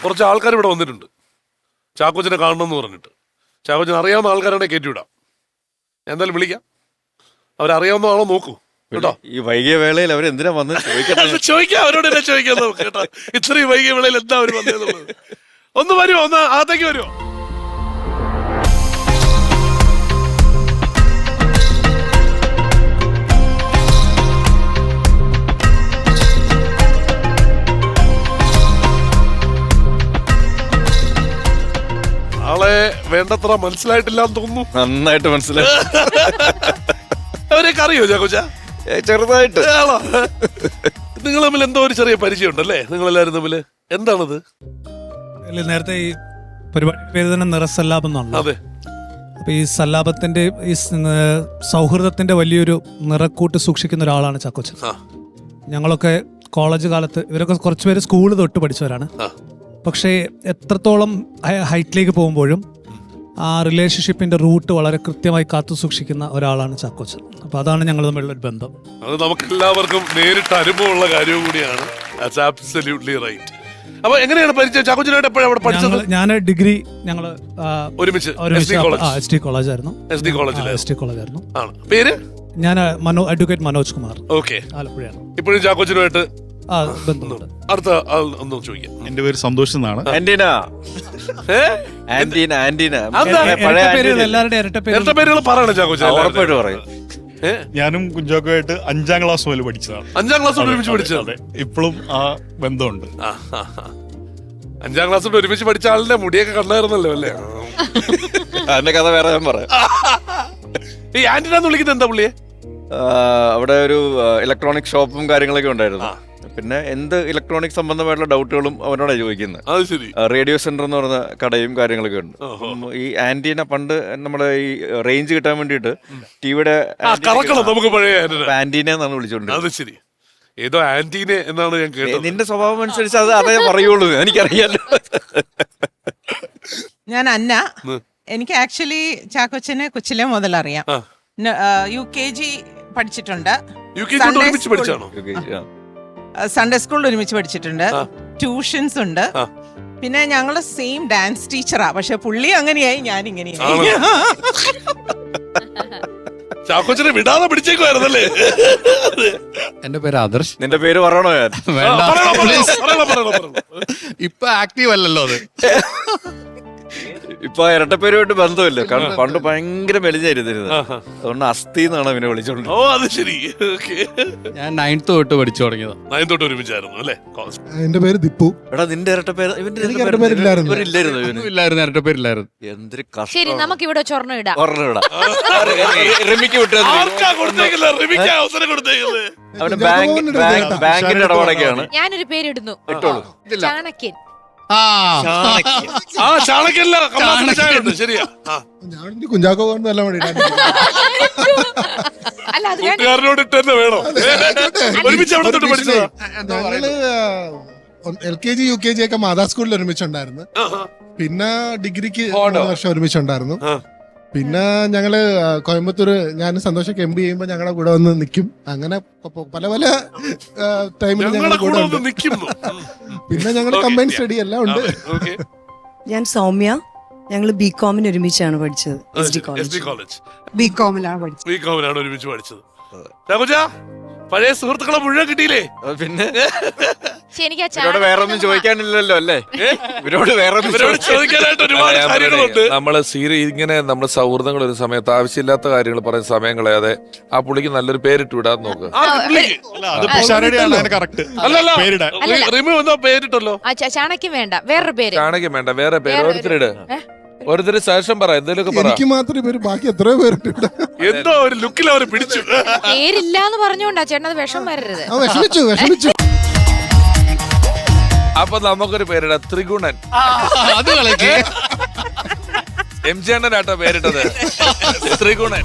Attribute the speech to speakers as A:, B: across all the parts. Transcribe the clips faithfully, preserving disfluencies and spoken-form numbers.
A: കുറച്ച് ആൾക്കാർ ഇവിടെ വന്നിട്ടുണ്ട് ചാക്കോച്ചനെ കാണണമെന്ന് പറഞ്ഞിട്ട്. ചാക്കോച്ചൻ അറിയാവുന്ന ആൾക്കാരാണെ കയറ്റിവിടാം. എന്തായാലും വിളിക്കാം. അവരറിയാവുന്ന ആളോ നോക്കൂ കേട്ടോ.
B: ഈ വൈകിയ വേളയിൽ അവരെന്തിനാ വന്ന്
A: ചോദിക്കാം, അവരോട് തന്നെ ചോദിക്കാം നമുക്ക് കേട്ടോ. ഇത്രയും വൈകിയ വേളയിൽ എന്താ അവർ വന്നതെന്നുള്ളത്. ഒന്ന് വരുമോ, ഒന്ന് അകത്തേക്ക് വരുമോ? ആളെ വേണ്ടത്ര മനസ്സിലായിട്ടില്ല എന്ന് തോന്നുന്നു.
B: നന്നായിട്ട് മനസ്സിലായി.
A: അവരെയൊക്കെ അറിയോ ചാക്കോച്ച?
B: ചെറുതായിട്ട്.
A: നിങ്ങൾ തമ്മിൽ എന്തോ ഒരു ചെറിയ പരിചയം ഉണ്ടല്ലേ നിങ്ങൾ എല്ലാവരും തമ്മില്? എന്താണത്?
C: നേരത്തെ ഈ പരിപാടി പേര് തന്നെ നിറസല്ലാപം എന്നാണ്.
A: അതെ.
C: അപ്പൊ ഈ സല്ലാപത്തിന്റെ ഈ സൗഹൃദത്തിന്റെ വലിയൊരു നിറക്കൂട്ട് സൂക്ഷിക്കുന്ന ഒരാളാണ് ചാക്കോച്ചൻ. ഞങ്ങളൊക്കെ കോളേജ് കാലത്ത് ഇവരൊക്കെ കുറച്ചുപേര് സ്കൂള് തൊട്ട് പഠിച്ചവരാണ്. പക്ഷേ എത്രത്തോളം ഹൈറ്റിലേക്ക് പോകുമ്പോഴും ആ റിലേഷൻഷിപ്പിന്റെ റൂട്ട് വളരെ കൃത്യമായി കാത്തു സൂക്ഷിക്കുന്ന ഒരാളാണ് ചാക്കോച്ചൻ. അപ്പൊ അതാണ് ഞങ്ങൾ തമ്മിലുള്ള ഒരു ബന്ധം.
A: അത് നമുക്ക് എല്ലാവർക്കും നേരിട്ട് അനുഭവമുള്ള കാര്യവും കൂടിയാണ്. അപ്പൊ എങ്ങനെയാണ് പരിചയം? ചാക്കോച്ചനായിട്ട് എപ്പോഴാണ് അവിടെ പഠിച്ചത്?
C: ഞാൻ ഡിഗ്രി ഞങ്ങള്
A: ഒരുമിച്ച്
C: എസ് ഡി കോളേജ് ആയിരുന്നു.
A: എസ് ഡി കോളേജിൽ
C: എസ് ഡി കോളേജ് ആയിരുന്നു.
A: പേര്? ഞാൻ
C: മനോ അഡ്വക്കേറ്റ് മനോജ് കുമാർ.
A: ഓക്കെ.
C: ആലപ്പുഴയാണ്.
A: ഇപ്പോഴും ചാക്കോച്ചനുമായിട്ട്
C: ബന്ധമുണ്ട്.
A: അടുത്ത ആൾ ഒന്നും ചോദിക്കാം.
D: എന്റെ പേര് സന്തോഷ് എന്നാണ്.
B: ആന്റീന ആന്റീന ആന്റീന
C: എല്ലാവരുടെ ഇരട്ട
A: പേരുകൾ പറയണം ചാക്കോച്ചൻ.
B: ഉറപ്പായിട്ട് പറയും.
D: ഞാനും കുഞ്ചാക്കോയായിട്ട് അഞ്ചാം ക്ലാസ് മുതൽ പഠിച്ചതാണ്.
A: അഞ്ചാം ക്ലാസ് ഒരുമിച്ച് പഠിച്ചത്?
D: ഇപ്പോഴും ആ ബന്ധമുണ്ട്.
A: അഞ്ചാം ക്ലാസ് ഒരുമിച്ച് പഠിച്ച ആളിന്റെ മുടിയൊക്കെ കണ്ടായിരുന്നല്ലോ അല്ലേ?
B: അതിന്റെ കഥ വേറെ ഞാൻ പറയാം.
A: ഈ ആന്റിന എന്ന് വിളിക്കുന്നത് എന്താ പുള്ളിയെ?
B: അവിടെ ഒരു ഇലക്ട്രോണിക് ഷോപ്പും കാര്യങ്ങളൊക്കെ ഉണ്ടായിരുന്നു. പിന്നെ എന്ത് ഇലക്ട്രോണിക് സംബന്ധമായിട്ടുള്ള ഡൗട്ടുകളും അവനോടാണ് ചോദിക്കുന്നത്. റേഡിയോ സെന്റർ എന്ന് പറഞ്ഞ കടയും കാര്യങ്ങളൊക്കെ ഉണ്ട്. ഈ ആന്റീന പണ്ട് നമ്മുടെ ഈ റേഞ്ച് കിട്ടാൻ വേണ്ടിട്ട് ടിവിയുടെ ആന്റീന എന്നാണ് വിളിച്ചോണ്ടിരുന്നത്.
A: ഏതോ ആന്റീന എന്നാണ് ഞാൻ കേട്ടത്.
B: നിന്റെ സ്വഭാവം അനുസരിച്ച് അത് അതേ പറയുള്ളൂ, എനിക്കറിയാലോ.
E: ഞാൻ അന്ന. എനിക്ക് ആക്ച്വലി ചാക്കോച്ചനെ കൊച്ചിലെ മുതൽ അറിയാം. യു കെ ജി പഠിച്ചിട്ടുണ്ട്. സൺഡേ സ്കൂളിൽ ഒരുമിച്ച് പഠിച്ചിട്ടുണ്ട്. ട്യൂഷൻസ് ഉണ്ട്. പിന്നെ ഞങ്ങള് സെയിം ഡാൻസ് ടീച്ചറാ. പക്ഷെ പുള്ളി അങ്ങനെയായി, ഞാൻ ഇങ്ങനെയായി.
A: ചാക്കോച്ചനെ വിടാതെ പിടിച്ചേക്കുവായിരുന്നല്ലേ?
F: എന്റെ പേര് ആദർശ്.
B: നിന്റെ പേര് പറയണോ? ഞാൻ
F: ഇപ്പൊ ആക്റ്റീവ് അല്ലല്ലോ അത്.
B: ഇപ്പൊ ഇരട്ടപ്പേരുമായിട്ട് ബന്ധമില്ല. കാരണം പണ്ട് ഭയങ്കര മെലിഞ്ഞായിരുന്നിരുന്നത്. അതുകൊണ്ട് അസ്ഥി എന്നാണ് അവനെ വിളിച്ചോണ്ട്.
A: ഓ അത് ശരി.
F: ഞാൻ നയൻത്ത് തൊട്ട് പഠിച്ചു തുടങ്ങിയത്.
A: നയൻത്ത് തൊട്ട് ഒരുമിച്ചായിരുന്നു അല്ലേ?
G: എന്റെ പേര് ദിപ്പു.
B: എടാ നിന്റെ ഇരട്ടപ്പേര്
G: ഇല്ലായിരുന്നു.
F: ഇരട്ടപ്പേരില്ലായിരുന്നു.
B: എന്തൊരു
H: ശരി, നമുക്ക് ഇവിടെ ചൊർണം ഇടാം.
B: റിമിക്ക് വിട്ടത് അവന് ബാങ്കിന്റെ ഇടപാടൊക്കെയാണ്.
H: ഞാനൊരു പേരിടുന്നു, ചാണക്യൻ.
A: ശരിയാ.
G: കുഞ്ചാക്കോ നല്ല
A: കൂട്ടുകാരനോട് ഇട്ട് തന്നെ വേണോ?
G: ഞങ്ങള് L K G U K G ഒക്കെ മാതാ സ്കൂളിൽ ഒരുമിച്ചുണ്ടായിരുന്നു. പിന്നെ ഡിഗ്രിക്ക് മൂന്ന് വർഷം ഒരുമിച്ചുണ്ടായിരുന്നു. പിന്നെ ഞങ്ങള് കോയമ്പത്തൂര് ഞാൻ സന്തോഷൊക്കെ എം ബി ചെയ്യുമ്പോ ഞങ്ങളുടെ കൂടെ വന്ന് നിൽക്കും. അങ്ങനെ പല പല ടൈമിൽ ഞങ്ങളുടെ കൂടെ ഉണ്ട്. പിന്നെ ഞങ്ങൾ കമ്പൈൻ സ്റ്റഡി എല്ലാം ഉണ്ട്.
I: ഞാൻ സൗമ്യ. ഞങ്ങൾ ബി കോമിന് ഒരുമിച്ചാണ് പഠിച്ചത്. എസ് ഡി കോളേജ് ബി കോമിലാണ് പഠിച്ചത്.
A: ബി കോമിനാണ് ഒരുമിച്ച് പഠിച്ചത്. പഴയ സുഹൃത്തുക്കളെ മുഴുവൻ കിട്ടിയില്ലേ?
B: പിന്നെ
H: എനിക്ക്
B: വേറെ ഒന്നും ചോദിക്കാനില്ലല്ലോ അല്ലേ? ഇവരോട് വേറെ
A: ചോദിക്കാനായിട്ട് ഒരുപാട് കാര്യങ്ങളുണ്ട്.
J: നമ്മള് സീരി ഇങ്ങനെ നമ്മുടെ സൗഹൃദങ്ങൾ ഒരു സമയത്ത് ആവശ്യമില്ലാത്ത കാര്യങ്ങൾ പറയുന്ന സമയം കളയാതെ ആ പുള്ളിക്ക് നല്ലൊരു പേരിട്ട് വിടാൻ നോക്കുക.
A: പേരിട്ടല്ലോ.
H: ചാണക്യം വേണ്ട, വേറൊരു പേര്.
J: ചാണക്യം വേണ്ട, വേറെ പേര്. ഓരോരുത്തരുടെ ഓരോരുത്തര് ശേഷം പറ, എന്തെങ്കിലുമൊക്കെ പറ.
G: എനിക്ക് മാത്രമേ പേര്, ബാക്കി എത്രയോ പേരിട്ടുണ്ട്.
A: എന്തോ ഒരു ലുക്കിൽ അവർ പിടിച്ചു.
H: പേരില്ല എന്ന് പറഞ്ഞോണ്ടാ ചേട്ടൻ അത് വിഷം വരരുത്.
G: വിഷമിച്ചു വിഷമിച്ചു
J: അപ്പൊ നമുക്കൊരു പേരിട, ത്രിഗുണൻ.
F: അത് കളിക്ക്.
J: എം ജി അണ്ണനാട്ടോ പേരിട്ടത്, ത്രിഗുണൻ.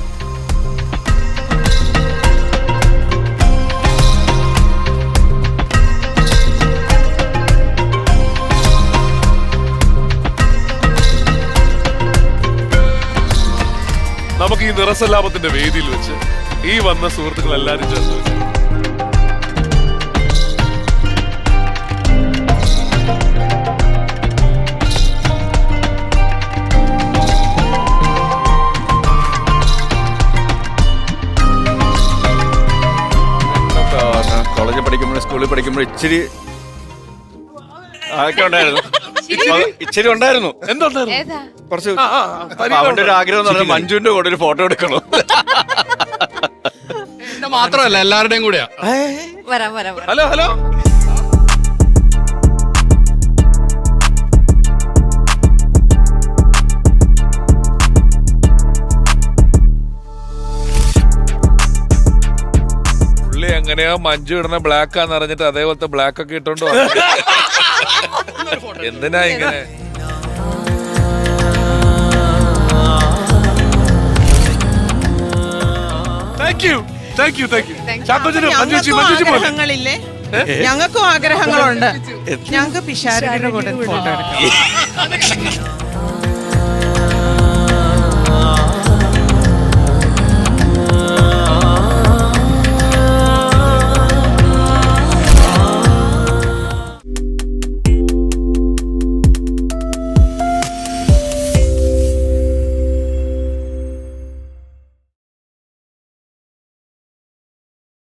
A: നമുക്ക് ഈ നിറസല്ലാപത്തിന്റെ വേദിയിൽ വെച്ച് ഈ വന്ന സുഹൃത്തുക്കൾ എല്ലാരും ചേർന്ന്
B: വിളിക്കുമ്പോൾ ഇച്ചിരി അതൊക്കെ ഉണ്ടായിരുന്നു. ഇച്ചിരി ഉണ്ടായിരുന്നു.
A: എന്തുണ്ടായിരുന്നു?
H: ഏതാ?
B: കുറച്ച്
A: ആ, ആ,
B: അപ്പൊ അവന്റെ ഒരു ആഗ്രഹം എന്ന് പറഞ്ഞാൽ മഞ്ജുവിന്റെ കൂടെ ഒരു ഫോട്ടോ എടുക്കണം.
F: എന്റെ മാത്രമല്ല എല്ലാവരുടെയും കൂടെയാ.
H: വരാം വരാം വരാം.
A: ഹലോ ഹലോ
J: പുള്ളി എങ്ങനെയോ മഞ്ജു ഇടുന്ന ബ്ലാക്ക് ആന്ന് അറിഞ്ഞിട്ട് അതേപോലത്തെ ബ്ലാക്ക് ഒക്കെ ഇട്ടോണ്ട് വന്നു. എന്തിനാ ഇങ്ങനെ?
A: Thank you thank you thank you
H: Thank you.
A: ചാക്കോച്ചന് മഞ്ജുച്ചി
E: ഞങ്ങൾക്കും
A: മഞ്ജുച്ചി പോലെ
E: ആഗ്രഹങ്ങളില്ലേ ഞങ്ങൾക്കും ആഗ്രഹങ്ങളുണ്ട് ഞങ്ങൾക്ക് പിഷാരടിയുടെ കൂടെ ഫോട്ടോ എടുക്കാം